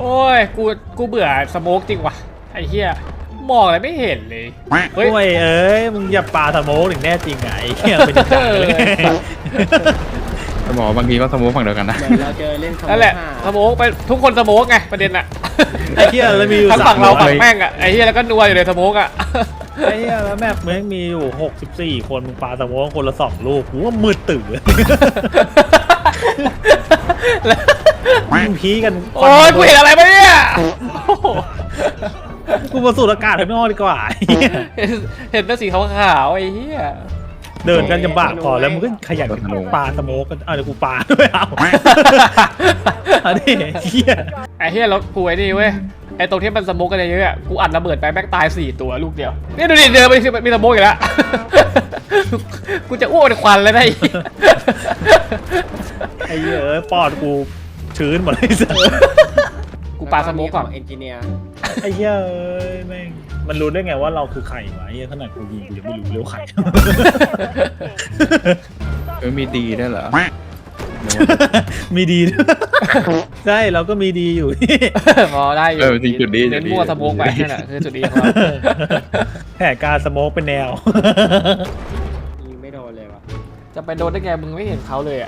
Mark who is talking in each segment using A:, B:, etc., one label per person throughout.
A: โอ้ยกูเบื่อสโมกจริงว่ะไอ้เหี้ยมองอะไรไม่เห็นเลย
B: เฮ้ยเอ้ยมึงอย่าปาสโมกถึงแน่จริงไงเหี้ยเป็นจังเลย
C: จะบอกบางทีก็สมูทฝั่งเดียวกันนะ
D: เราเจอเล่น
A: นั่นแหละสโมกไปทุกคนสโมกไงประเด็นอะ
B: ไอ้เหี้ยแล้วมีอยู่
A: ทั้งฝั่งเราฝั่งแม่งอะไอ้เหี้ยแล้วก็นัวอยู่ในสโมกอะ
B: ไอ้เหี้ยแล้วแมปมึงมีอยู่64คนมึงปาสโมกคนละ2ลูกกูว่ามืดตื่นมึงพีกัน
A: โอ้ยกูเห็นอะไรมาเนี่ย
B: กูมาสูดอากาศข้างนอกดีกว่า
A: เห็นแต่สีขาวๆไอ้เหี้ย
B: เดินกันจะบากพอแล้วมึงก็ขยันปาสโมกกันเดี๋ยวกูปาด้วยเอาอันนี้เหี้ย
A: ไอ้เหี้ยแล้วกูไอ้นี่เว้ยไอ้ตรงที่มันสโมกกันเยอะๆกูอัดระเบิดไปแม่งตาย4 ตัวลูกเดียวนี่ดูดิเดินไปมีสโมกอีกแล้วกูจะอ้วกในควันเลยได้
B: ไอ้เหี้ยปอดกูชื้นหมดเลยเสือ
A: กูปาสโมกก่อน
D: เอนจิเนียร์
B: ไอ้เหี้ยแม่งมันรู้ได้ไงว่าเราคือใครวะไอ้เหี้ยขนาดกูยิงกูยังไม่รู้เร็วใคร
C: มีดีได้เหรอ
B: มีดีใช่เราก็มีดีอยู่
A: พอได้อยู่
C: จริงจุดดี
A: เน้นมั่วสโมกไปนั่นแหละคือจุดดีของเรา
B: แผนการสโมกเป็นแนว
D: ยิงไม่โดนเลยวะ
A: จะไปโดนได้ไงมึงไม่เห็นเขาเลยอ่ะ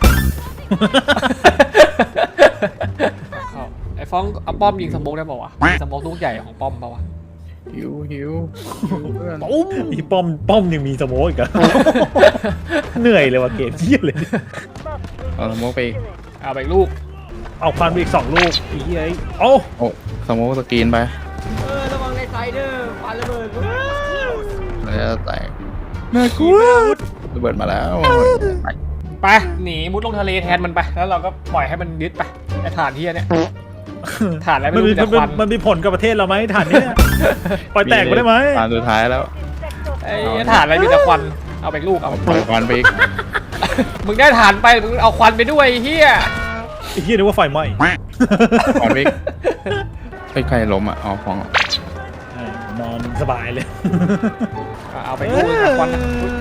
A: ไอ้ฟ้องเอาป้อมยิงสโมกได้ป่าวะสโมกลูกใหญ่ของป้อมป่าวะ
C: หิว
A: ปุ้ม
B: อีป้อมยังมีสโมกอีกอะเหนื่อยเลยว่ะเกมเยี่ยเลย
C: เอาสโมกไป
A: เอาไปลูก
B: เอาควันไปอีก2 ลูกอีเหี้ยโอ้
C: สโมกสกรีนไ
D: ประวังในไซเดอร์ปาระเบิด
C: แล้วแต่น่ากลัวระเบิดมาแล้ว
A: ไปหนีมุดลงทะเลแทนมันไปแล้วเราก็ปล่อยให้มันยึดไปไอ้ฐานที่เนี่ยฐานอะไรไม่รู้แต่ควัน
B: มันมีผลกับประเทศเราไหมฐานนี้ปล่อยแตกไปได้ไหม
C: ฐานสุดท้ายแล้ว
A: ไอ้ฐานอะไรมีแต่ควันเอาไปลูกเอา
C: ควันไปอีก
A: มึงได้ฐานไปมึงเอาควันไปด้วยเฮีย
B: ไอ้เฮียนึกว่าไฟไหม้
C: ควันไปใครล้มอ่ะฟอง
B: นอนสบายเลย
A: เอาไปลูกควัน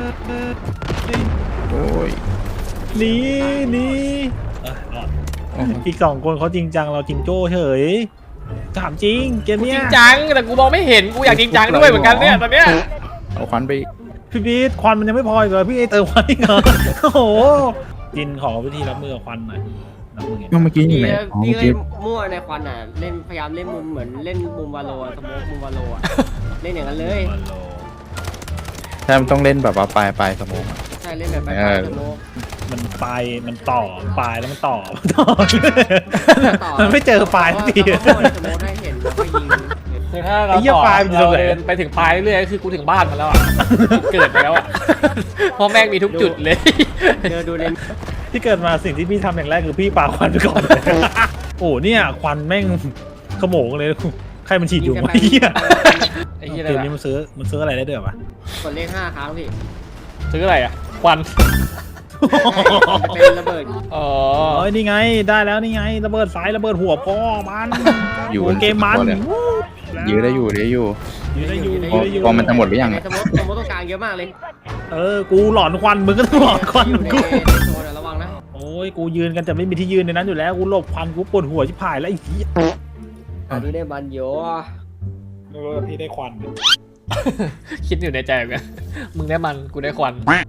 C: โอ้ย
B: หนีอีก2 คนเขาจริงจังเราจริงโจ้เฉยถามจริงเกมเนี้ย
A: จริงจังแต่กูมองไม่เห็นกูอยากจริงจังด้วยเหมือนกันเนี่ยตอนเนี้ย
C: เอาควันไป
B: พี่บีทควันมันยังไม่พออีกเลยพี่เติมควันอีกเหรอโอ้โหจินขอวิธีรับมือกับควันหน่อยรับมือไง
C: เมื่อกี้อยู่ไหน
D: พี่เล่นมั่วในควันอ่ะเล่นพยายามเล่นมุมเหมือนเล่นมุมวาโลสโมกมุมวาโลอ่ะเล่นอย่างนั้นเลย
C: ใช่มันต้องเล่นแบบว่าปลายสโมก
D: ใช่เล่นแบบปลายสโมก
B: มันปลายมันต่อปลายแล้วมันต่อมันไม่เจอปลายสักที
A: คือถ้าเราเดินไปถึงปลายเรื่อยๆคือกูถึงบ้านมาแล้วอ่ะเกิดไปแล้วอ่ะเพราะแม่งมีทุกจุดเลย
D: เดินดูเล่น
B: ที่เกิดมาสิ่งที่พี่ทำอย่างแรกคือพี่ปาควันไปก่อนโอ้เนี่ยควันแม่งขโมงเลยใครมันฉีดอยู่วะไอ้เกมนี้มันซื้ออะไรได้ด้วยปะ
D: กดเลข5 ครั้งพี่
A: ซื้ออะไรอ่ะควัน
D: เป็นระเบิด
A: อ๋อ
B: นี่ไงได้แล้วนี่ไงระเบิดสายระเบิดหัวพ่อมันอยู่เกมมัน
C: ยื้อได้อยู่พอมันจะหมดหรือยัง
D: สมมติต้องการเยอะมากเลย
B: กูหลอนควันมึงก็ต้องหลอนควัน
D: กูระวังนะ
B: โอ้ยกูยืนกันจะไม่มีที่ยืนในนั้นอยู่แล้วกูหลบควันกูปวดหัวชิบหายแล้วไอ้เหี้ย
D: พี่ได้บันโย
B: พี่ได้ควัน
A: คิดอยู่ในใจเหมือนกันมึงได้มันกูได้ควัน